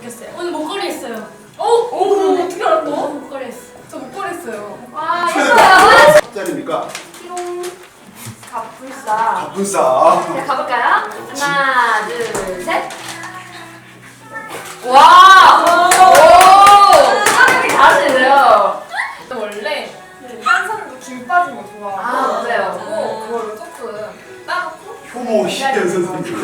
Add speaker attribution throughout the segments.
Speaker 1: 느꼈어요.
Speaker 2: 오늘 목걸이 했어요.
Speaker 1: 그럼 어떻게 알았어?
Speaker 2: 목걸이 했어.
Speaker 1: 저 목걸이 했어요.
Speaker 2: 와, 예뻐요.
Speaker 3: 짝입니까?
Speaker 2: 띠롱. 갑불싸.
Speaker 3: 갑분싸.
Speaker 2: 자, 가볼까요? 하나, 둘, 셋. 와! 오! 사람이 잘하시네요.
Speaker 1: 원래 한 사람도 김 빠진 거 좋아하고
Speaker 2: 아, 맞아요.
Speaker 1: 그거를 조금 따놓고
Speaker 3: 효모 희연 선생님.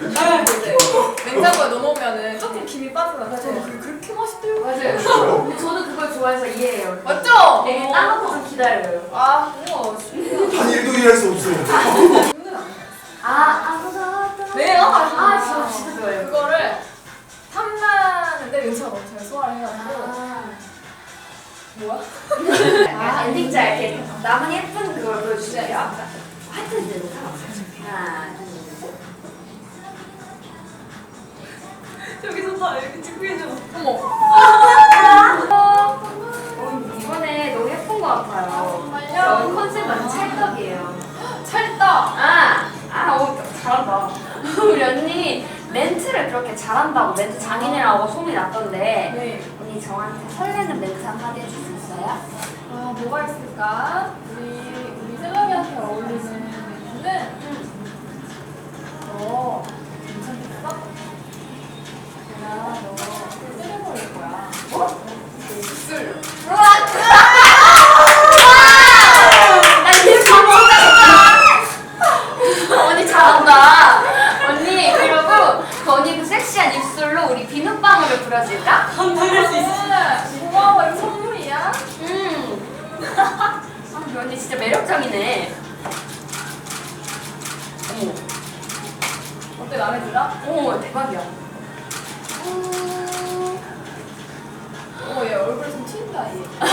Speaker 1: 냉장고에 넣어놓으면은 조금 김이 빠져나서 저는 그게 그렇게 맛있대요.
Speaker 2: 맞아요. 근데 저도 그걸 좋아해서 이해해요.
Speaker 1: 맞죠?
Speaker 2: 되게 따놓고 좀 기다려요.
Speaker 1: 아, 우와, 신기하다.
Speaker 3: 한 일도 일할 수 없어.
Speaker 1: 힘든 안
Speaker 2: 아무것도.
Speaker 1: 네,
Speaker 2: 아, 진짜 좋아요.
Speaker 1: 그거를 탐나는데 은채가 너무 잘 소화를 해가지고 뭐야?
Speaker 2: 아, 엔딩 짤 이렇게 남은 예쁜 그걸 보여주세요. 하여튼 이제 하나, 둘, 셋.
Speaker 1: 저기서 다 이렇게 찍고 계셔. 어머.
Speaker 2: 이번에 너무 예쁜 것 같아요.
Speaker 1: 정말요?
Speaker 2: 저 컨셉은 찰떡이에요.
Speaker 1: 찰떡.
Speaker 2: 잘한다. 우리 언니 멘트를 그렇게 잘한다고 멘트 장인이라고 소문이 났던데
Speaker 1: 네.
Speaker 2: 언니 저한테 설레는 멘트 한마디 해줄 수 있어요?
Speaker 1: 아, 뭐가 있을까? 우리 셀럽이한테 어울리는 멘트는 너 괜찮겠어? 내가 너 때려버릴 거야.
Speaker 2: 뭐?
Speaker 1: 입술.
Speaker 2: 나 지금 감동했다. 언니 잘한다. 언니 그리고 그 언니 그 섹시한 입술로 우리 비눗방울을 불어줄까?
Speaker 1: 감당할 수 있어. 고마워, 이거 선물이야.
Speaker 2: 아, 우리 언니 진짜 매력적이네. 어머,
Speaker 1: 어때, 마음에 들어?
Speaker 2: 어머 대박이야.
Speaker 1: 얘 얼굴 좀 튄다, 얘.